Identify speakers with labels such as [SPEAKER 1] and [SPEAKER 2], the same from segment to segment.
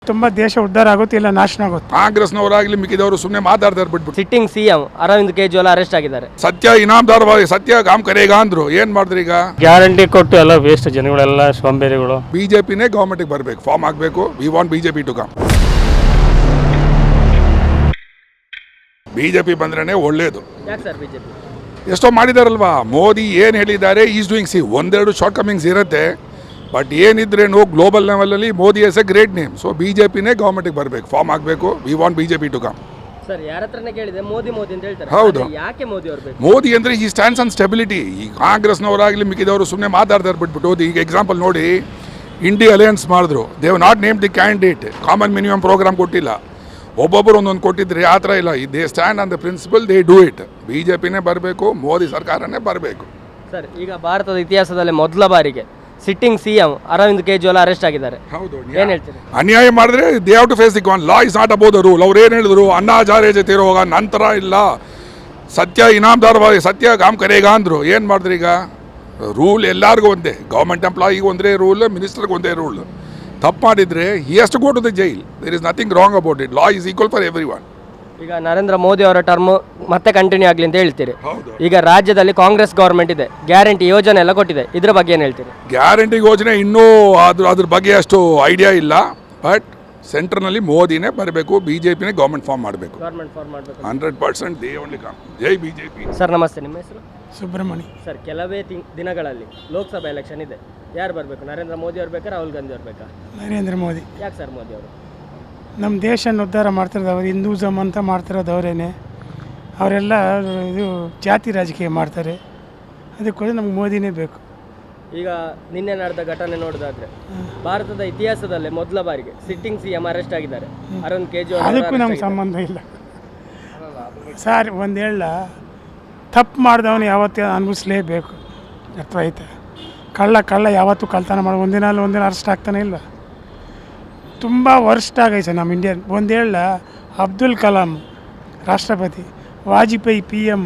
[SPEAKER 1] ತುಂಬಾ ದೇಶ ಉದ್ಧಾರ ಆಗುತ್ತೆ ಇಲ್ಲ ನಾಶನ ಆಗುತ್ತೆ.
[SPEAKER 2] ಕಾಂಗ್ರೆಸ್ನವರಾಗ್ಲಿ ಮಿಕ್ಕಿದವರು ಸುಮ್ಮನೆ ಮಾತಾಡ್ತಾರೆ ಬಿಟ್ಬಿಟ್ಟು.
[SPEAKER 3] Sitting CM Arvind Kejriwal arrest ಆಗಿದ್ದಾರೆ.
[SPEAKER 2] ಸತ್ಯ ಇನಾಮದಾರ್ ಸತ್ಯ ಕಾಮ್ ಕರೆಗ ಅಂದ್ರು, ಏನ್ ಮಾಡಿದ್ರಿ ಈಗ?
[SPEAKER 4] ಗ್ಯಾರಂಟಿ ಕೊಟ್ಟು ಎಲ್ಲ ವೇಸ್ಟ್, ಜನಗಳೆಲ್ಲ ಸೋಂಬೇರಿಗಳು.
[SPEAKER 2] ಬಿಜೆಪಿನೇ ಗವರ್ಮೆಂಟ್ ಬರಬೇಕು, ಫಾರ್ಮ್ ಆಗಬೇಕು. We want BJP to come. BJP ಬಂದ್ರೇನೆ ಒಳ್ಳೇದು.
[SPEAKER 3] ಯಾಕೆ ಸರ್ ಬಿಜೆಪಿ?
[SPEAKER 2] ಎಷ್ಟೋ ಮಾಡಿದಾರಲ್ವಾ ಮೋದಿ, ಏನು ಹೇಳಿದ್ದಾರೆ ಈಸ್ ಡೂಯಿಂಗ್. ಒಂದೆರಡು ಶಾರ್ಟ್ ಕಮಿಂಗ್ಸ್ ಇರುತ್ತೆ, ಬಟ್ ಏನಿದ್ರೇನು ಗ್ಲೋಬಲ್ ಲೆವೆಲಲ್ಲಿ Modi is a great name. So ಬಿಜೆಪಿನೇ ಗವರ್ಮೆಂಟ್ಗೆ ಬರಬೇಕು, ಫಾರ್ಮ್ ಆಗಬೇಕು. We want BJP to come.
[SPEAKER 3] Sir ಯಾರ ಹತ್ರನೇ ಕೇಳಿದೆ ಮೋದಿ ಮೋದಿ ಅಂತ ಹೇಳ್ತಾರೆ.
[SPEAKER 2] ಹೌದು.
[SPEAKER 3] ಯಾಕೆ ಮೋದಿ ಅವರು ಬೇಕು?
[SPEAKER 2] ಮೋದಿ ಅಂದರೆ ಈ ಸ್ಟ್ಯಾಂಡ್ಸ್ ಆನ್ ಸ್ಟೆಬಿಲಿಟಿ. ಈ ಕಾಂಗ್ರೆಸ್ನವರಾಗಲಿ ಮಿಕ್ಕಿದವರು ಸುಮ್ಮನೆ ಮಾತಾಡ್ತಾರೆ ಬಿಟ್ಬಿಟ್ಟು. ಈಗ ಎಕ್ಸಾಂಪಲ್ ನೋಡಿ, ಇಂಡಿಯಾ ಅಲಯನ್ಸ್ ಮಾಡಿದ್ರು, they not name the candidate. Common minimum programme ಕೊಟ್ಟಿಲ್ಲ, ಒಬ್ಬೊಬ್ಬರು ಒಂದೊಂದು ಕೊಟ್ಟಿದ್ರೆ. ಆ ಥರ ಇಲ್ಲ. They stand on the principle, they do it. ಬಿಜೆಪಿನೇ ಬರಬೇಕು, ಮೋದಿ ಸರ್ಕಾರನೇ ಬರಬೇಕು.
[SPEAKER 3] ಸರ್ ಈಗ ಭಾರತದ ಇತಿಹಾಸದಲ್ಲಿ ಮೊದಲ ಬಾರಿಗೆ sitting CM Arvind Kejriwal arrest ಆಗಿದ್ದಾರೆ.
[SPEAKER 2] ಹೌದು.
[SPEAKER 3] ಏನ್ ಹೇಳ್ತೀರಿ?
[SPEAKER 2] ಅನ್ಯಾಯ ಮಾಡಿದ್ರೆ they have to face the con. Law is not about the rule. ಅವ್ರು ಏನು ಹೇಳಿದ್ರು, ಅಣ್ಣಾ ಹಜಾರೆ ಜೊತೆ ಇರುವಾಗ ನಂತರ ಇಲ್ಲ, ಸತ್ಯ ಇನಾಮದಾರ್ ಸತ್ಯ ಕಾಮ್ ಕರೆಗ ಅಂದ್ರು. ಏನು ಮಾಡಿದ್ರಿ ಈಗ? ರೂಲ್ ಎಲ್ಲರಿಗೂ ಒಂದೇ. ಗೌರ್ಮೆಂಟ್ ಎಂಪ್ಲಾಯಿಗೆ ಒಂದೇ ರೂಲ್, ಮಿನಿಸ್ಟರ್ಗೆ ಒಂದೇ ರೂಲ್. ತಪ್ಪು ಮಾಡಿದರೆ he has to go to the jail. There is nothing wrong about it. Law is equal for every one.
[SPEAKER 3] ಈಗ ನರೇಂದ್ರ ಮೋದಿ ಅವರ ಟರ್ಮ್ ಮತ್ತೆ ಕಂಟಿನ್ಯೂ ಆಗಲಿ ಅಂತ ಹೇಳ್ತೀರಿ.
[SPEAKER 2] ಹೌದು.
[SPEAKER 3] ಈಗ ರಾಜ್ಯದಲ್ಲಿ ಕಾಂಗ್ರೆಸ್ ಗೌರ್ಮೆಂಟ್ ಇದೆ, ಗ್ಯಾರಂಟಿ ಯೋಜನೆ ಎಲ್ಲ ಕೊಟ್ಟಿದೆ, ಇದ್ರ ಬಗ್ಗೆ ಏನು ಹೇಳ್ತೀರಿ?
[SPEAKER 2] ಗ್ಯಾರಂಟಿ ಯೋಜನೆ ಇನ್ನೂ ಅದ್ರ ಬಗ್ಗೆ ಅಷ್ಟು ಐಡಿಯಾ ಇಲ್ಲ. ಬಟ್ ಸೆಂಟ್ರ್ನಲ್ಲಿ ಮೋದಿನೇ ಬರಬೇಕು, ಬಿಜೆಪಿನೇ ಗೌರ್ಮೆಂಟ್ ಫಾರ್ಮ್ ಮಾಡಬೇಕು.
[SPEAKER 3] ಗೌರ್ಮೆಂಟ್ ಫಾರ್ಮ್ ಮಾಡಬೇಕು
[SPEAKER 2] 100%. They only come. ಜೈ ಬಿಜೆಪಿ.
[SPEAKER 3] ಸರ್ ನಮಸ್ತೆ, ನಿಮ್ಮ ಹೆಸರು?
[SPEAKER 1] ಸುಬ್ರಹ್ಮಣಿ.
[SPEAKER 3] ಸರ್ ಕೆಲವೇ ದಿನಗಳಲ್ಲಿ ಲೋಕಸಭಾ ಎಲೆಕ್ಷನ್ ಇದೆ. ಯಾರು ಬರಬೇಕು? ನರೇಂದ್ರ ಮೋದಿ ಅವ್ರು ಬೇಕಾ, ರಾಹುಲ್ ಗಾಂಧಿ ಅವ್ರು ಬೇಕಾ?
[SPEAKER 1] ನರೇಂದ್ರ ಮೋದಿ.
[SPEAKER 3] ಯಾಕೆ ಸರ್ ಮೋದಿ ಅವರು?
[SPEAKER 1] ನಮ್ಮ ದೇಶನ ಉದ್ಧಾರ ಮಾಡ್ತಿರೋದವ್ರು, ಹಿಂದೂಸಮ್ ಅಂತ ಮಾಡ್ತಿರೋದವರೇನೆ. ಅವರೆಲ್ಲ ಇದು ಜಾತಿ ರಾಜಕೀಯ ಮಾಡ್ತಾರೆ. ಅದಕ್ಕೋಸ್ಕರ ನಮ್ಗೆ ಮೋದಿನೇ ಬೇಕು.
[SPEAKER 3] ಈಗ ನಿನ್ನೆ ನಡೆದ ಘಟನೆ ನೋಡೋದಾದ್ರೆ, ಭಾರತದ ಇತಿಹಾಸದಲ್ಲೇ ಮೊದಲ ಬಾರಿಗೆ ಸಿಟ್ಟಿಂಗ್ ಸಿಎಂ ಅರೆಸ್ಟ್ ಆಗಿದ್ದಾರೆ, ಅರವಿಂದ್ ಕೇಜ್ರಿವಾಲ್.
[SPEAKER 1] ಅದಕ್ಕೂ ನಮ್ಗೆ ಸಂಬಂಧ ಇಲ್ಲ ಸರ್. ಒಂದು ಹೇಳ, ತಪ್ಪು ಮಾಡಿದವನು ಯಾವತ್ತೂ ಅನುಭವಿಸ್ಲೇಬೇಕು. ಅರ್ಥ ಆಯ್ತಾ? ಕಳ್ಳ ಯಾವತ್ತೂ ಕಳ್ತನ ಮಾಡಿ ಒಂದಿನ ಅರೆಸ್ಟ್ ಆಗ್ತಾನೆ ಇಲ್ಲ. ತುಂಬ ವರ್ಸ್ಟ್ ಆಗೈತೆ ನಮ್ಮ ಇಂಡಿಯನ್. ಒಂದು ಹೇಳ, ಅಬ್ದುಲ್ ಕಲಾಂ ರಾಷ್ಟ್ರಪತಿ, ವಾಜಪೇಯಿ PM,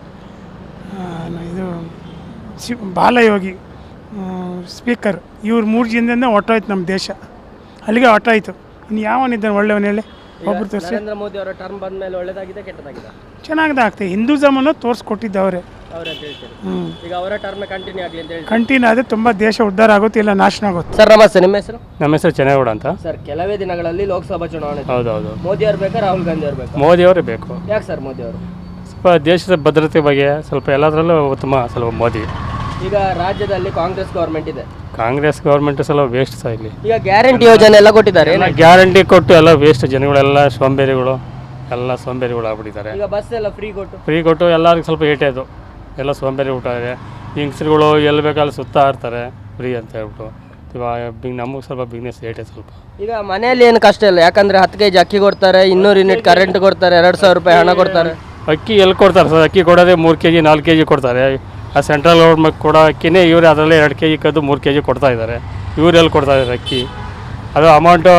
[SPEAKER 1] ಇದು ಬಾಲಯೋಗಿ ಸ್ಪೀಕರ್, ಇವ್ರು 3 ಜನದಿಂದ ಹೊಟ್ಟೋಯ್ತು ನಮ್ಮ ದೇಶ. ಅಲ್ಲಿಗೆ ಹೊಟ್ಟೋಯ್ತು. ಇನ್ನು ಯಾವನಿದ್ದಾನೆ ಒಳ್ಳೆಯವನು ಹೇಳಿ? ಒಬ್ಬರು ತೋರಿಸಿ.
[SPEAKER 3] ನರೇಂದ್ರ ಮೋದಿ ಅವರ ಟರ್ಮ್ ಬಂದ ಮೇಲೆ ಒಳ್ಳೇದಾಗಿದೆ ಕೆಟ್ಟದಾಗಿದೆ?
[SPEAKER 1] ಚೆನ್ನಾಗದಾಗ್ತದೆ. ಹಿಂದೂಸಮನ್ನು ತೋರಿಸ್ಕೊಟ್ಟಿದ್ದವ್ರೆ.
[SPEAKER 3] ಅವ್ರು ಅಂತ ಹೇಳ್ತಾರೆ. ಈಗ ಅವರ ಟರ್ಮ್ ಕಂಟಿನ್ಯೂ ಆಗಲಿ ಅಂತ ಹೇಳಿ
[SPEAKER 1] ಕಂಟಿನ್ಯೂ ಆದರೆ ತುಂಬ ದೇಶ ಉದ್ಧಾರ ಆಗುತ್ತೆ ಇಲ್ಲ ನಾಶನ ಆಗುತ್ತೆ.
[SPEAKER 3] ಸರ್ ನಮಸ್ತೆ, ನಿಮ್ಮ ಹೆಸರು?
[SPEAKER 4] ನಮ್ಮ ಹೆಸರು ಚೆನ್ನಗೌಡ ಅಂತ.
[SPEAKER 3] ಸರ್ ಕೆಲವೇ ದಿನಗಳಲ್ಲಿ ಲೋಕಸಭಾ ಚುನಾವಣೆ ಇದೆ.
[SPEAKER 4] ಹೌದೌದು.
[SPEAKER 3] ಮೋದಿ ಅವ್ರು ಬೇಕಾ, ರಾಹುಲ್ ಗಾಂಧಿ ಅವ್ರು ಬೇಕಾ?
[SPEAKER 4] ಮೋದಿ ಅವರೇ ಬೇಕು.
[SPEAKER 3] ಯಾಕೆ ಸರ್ ಮೋದಿ ಅವರು?
[SPEAKER 4] ಸ್ವಲ್ಪ ದೇಶದ ಭದ್ರತೆ ಬಗ್ಗೆ ಸ್ವಲ್ಪ ಎಲ್ಲದರಲ್ಲೂ ಉತ್ತಮ. ಸ್ವಲ್ಪ ಮೋದಿ.
[SPEAKER 3] ಈಗ ರಾಜ್ಯದಲ್ಲಿ ಕಾಂಗ್ರೆಸ್ ಗೌರ್ಮೆಂಟ್ ಇದೆ.
[SPEAKER 4] ಕಾಂಗ್ರೆಸ್ ಗೌರ್ಮೆಂಟ್ ಸ್ವಲ್ಪ ವೇಸ್ಟ್ ಸಹ ಇಲ್ಲಿ.
[SPEAKER 3] ಈಗ ಗ್ಯಾರಂಟಿ ಯೋಜನೆ ಎಲ್ಲ ಕೊಟ್ಟಿದ್ದಾರೆ.
[SPEAKER 4] ಗ್ಯಾರಂಟಿ ಕೊಟ್ಟು ಎಲ್ಲ ವೇಸ್ಟ್, ಜನಗಳೆಲ್ಲ ಸೋಂಬೇರಿಗಳು, ಎಲ್ಲ ಸೋಂಬೇರಿಗಳು ಆಗ್ಬಿಟ್ಟಿದ್ದಾರೆ.
[SPEAKER 3] ಈಗ ಬಸ್ ಎಲ್ಲ ಫ್ರೀ ಕೊಟ್ಟು
[SPEAKER 4] ಎಲ್ಲರಿಗೂ ಸ್ವಲ್ಪ ಏಟೇದು, ಎಲ್ಲ ಸೋಂಬೇರಿ ಊಟಾಗಿದೆ. ಹೆಂಗಸ್ರುಗಳು ಎಲ್ಲಿ ಬೇಕಲ್ಲಿ ಸುತ್ತಾ ಇರ್ತಾರೆ ಫ್ರೀ ಅಂತ ಹೇಳ್ಬಿಟ್ಟು. ಇವಾಗ ನಮಗೆ ಸ್ವಲ್ಪ ಬಿಸ್ನೆಸ್ ಏಟೆ ಸ್ವಲ್ಪ. ಈಗ
[SPEAKER 3] ಮನೆಯಲ್ಲಿ ಏನು ಕಷ್ಟ ಇಲ್ಲ, ಯಾಕಂದ್ರೆ 10 kg ಅಕ್ಕಿ ಕೊಡ್ತಾರೆ, 200 ಯೂನಿಟ್ ಕರೆಂಟ್ ಕೊಡ್ತಾರೆ, 2000 ರೂಪಾಯಿ ಹಣ ಕೊಡ್ತಾರೆ.
[SPEAKER 4] ಅಕ್ಕಿ ಎಲ್ಲಿ ಕೊಡ್ತಾರೆ ಸರ್? ಅಕ್ಕಿ ಕೊಡೋದೇ 3 kg 4 kg ಕೊಡ್ತಾರೆ. ಆ ಸೆಂಟ್ರಲ್ ಗೌರ್ಮೆಂಟ್ ಕೊಡೋ ಅಕ್ಕಿನೇ ಇವರೇ ಅದರಲ್ಲೇ 2 kg ಕದ್ದು 3 kg ಕೊಡ್ತಾ ಇದ್ದಾರೆ. ಇವ್ರು ಎಲ್ಲಿ ಕೊಡ್ತಾ ಇದ್ದಾರೆ ಅಕ್ಕಿ? ಅದು ಅಮೌಂಟು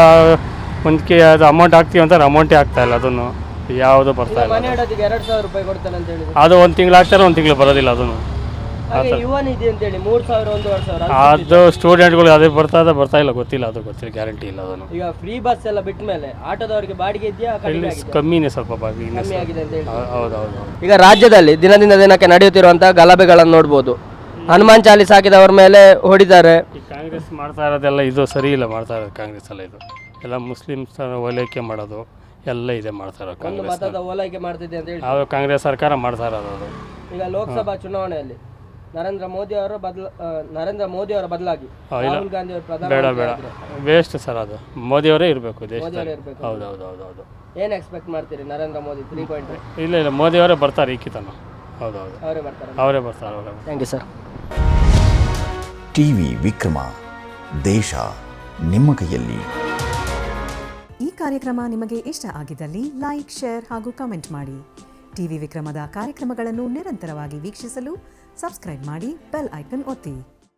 [SPEAKER 4] ಅದು ಅಮೌಂಟ್ ಹಾಕ್ತೀವಿ ಅಂತಾರೆ, ಅಮೌಂಟೇ ಆಗ್ತಾಯಿಲ್ಲ. ಅದನ್ನು ಯಾವುದು ಬರ್ತಾ ಇಲ್ಲ.
[SPEAKER 3] 2000 ರೂಪಾಯಿ ಕೊಡ್ತಾನೆ ಅಂತ ಹೇಳಿ
[SPEAKER 4] ಅದು 1 ತಿಂಗಳು ಹಾಕ್ತಾರೆ, 1 ತಿಂಗಳು ಬರೋದಿಲ್ಲ. ಅದನ್ನು
[SPEAKER 3] ಯುವ ನಿಧಿ ಅಂತೇಳಿ 3000 1,500
[SPEAKER 4] ಅದು ಸ್ಟೂಡೆಂಟ್ಗಳು ಅದೇ ಬರ್ತಾ ಇಲ್ಲ, ಗೊತ್ತಿಲ್ಲ. ಅದು ಗೊತ್ತಿಲ್ಲ, ಗ್ಯಾರಂಟಿ ಇಲ್ಲ. ಅದನ್ನು
[SPEAKER 3] ಈಗ ಫ್ರೀ ಬಸ್ ಎಲ್ಲ ಬಿಟ್ಟ ಮೇಲೆ ಆಟೋದವರಿಗೆ ಬಾಡಿಗೆ ಇದೆಯಾ?
[SPEAKER 4] ಕಮ್ಮಿನೇ ಸ್ವಲ್ಪ ಬಿಸ್ನೆಸ್. ಹೌದೌದು.
[SPEAKER 3] ಈಗ ರಾಜ್ಯದಲ್ಲಿ ದಿನದಿಂದ ದಿನಕ್ಕೆ ನಡೆಯುತ್ತಿರುವಂತಹ ಗಲಭೆಗಳನ್ನು ನೋಡ್ಬೋದು. ಹನುಮಾನ್ ಚಾಲೀಸ್ ಹಾಕಿದವ್ರ ಮೇಲೆ ಹೊಡಿದ್ದಾರೆ.
[SPEAKER 4] ಈ ಕಾಂಗ್ರೆಸ್ ಮಾಡ್ತಾ ಇರೋದೆಲ್ಲ ಇದು ಸರಿ ಇಲ್ಲ. ಮಾಡ್ತಾ ಇರೋದು ಕಾಂಗ್ರೆಸ್ ಎಲ್ಲ ಇದು ಎಲ್ಲ ಮುಸ್ಲಿಮ್ಸ್ ಓಲೈಕೆ ಮಾಡೋದು ಎಲ್ಲ ಇದೆ ಮಾಡ್ತಾ ಇರೋದು. ಕಾಂಗ್ರೆಸ್
[SPEAKER 3] ಓಲೈಕೆ ಮಾಡ್ತಿದೆ ಅಂತ ಹೇಳಿ
[SPEAKER 4] ಅದು ಕಾಂಗ್ರೆಸ್ ಸರ್ಕಾರ ಮಾಡ್ತಾ ಇರೋದು. ಅದು
[SPEAKER 3] ಈಗ ಲೋಕಸಭಾ ಚುನಾವಣೆಯಲ್ಲಿ ನರೇಂದ್ರ ಮೋದಿ ಅವರ ಬದಲಾಗಿ ರಾಹುಲ್ ಗಾಂಧಿ ಅವರು ಪ್ರಧಾನಿ
[SPEAKER 4] ಬೇಡ ವೇಸ್ಟ್ ಸರ್. ಅದು ಮೋದಿ ಅವರೇ ಇರಬೇಕು ದೇಶದಲ್ಲಿ. ಹೌದೌದು.
[SPEAKER 3] ಏನು ಎಕ್ಸ್ಪೆಕ್ಟ್ ಮಾಡ್ತೀರಿ? ನರೇಂದ್ರ ಮೋದಿ 3.5?
[SPEAKER 4] ಇಲ್ಲ ಮೋದಿ ಅವರೇ ಬರ್ತಾರೆ ಈಕಿತನ. ಹೌದೌದು, ಅವರೇ ಬರ್ತಾರೆ.
[SPEAKER 3] Thank you sir.
[SPEAKER 5] TV Vikrama, ದೇಶ ನಿಮ್ಮ ಕೈಯಲ್ಲಿ.
[SPEAKER 6] ಈ ಕಾರ್ಯಕ್ರಮ ನಿಮಗೆ ಇಷ್ಟ ಆಗಿದ್ದಲ್ಲಿ ಲೈಕ್, ಶೇರ್ ಹಾಗೂ ಕಮೆಂಟ್ ಮಾಡಿ. ಟಿವಿ ವಿಕ್ರಮದ ಕಾರ್ಯಕ್ರಮಗಳನ್ನು ನಿರಂತರವಾಗಿ ವೀಕ್ಷಿಸಲು ಸಬ್ಸ್ಕ್ರೈಬ್ ಮಾಡಿ, ಬೆಲ್ ಐಕನ್ ಒತ್ತಿ.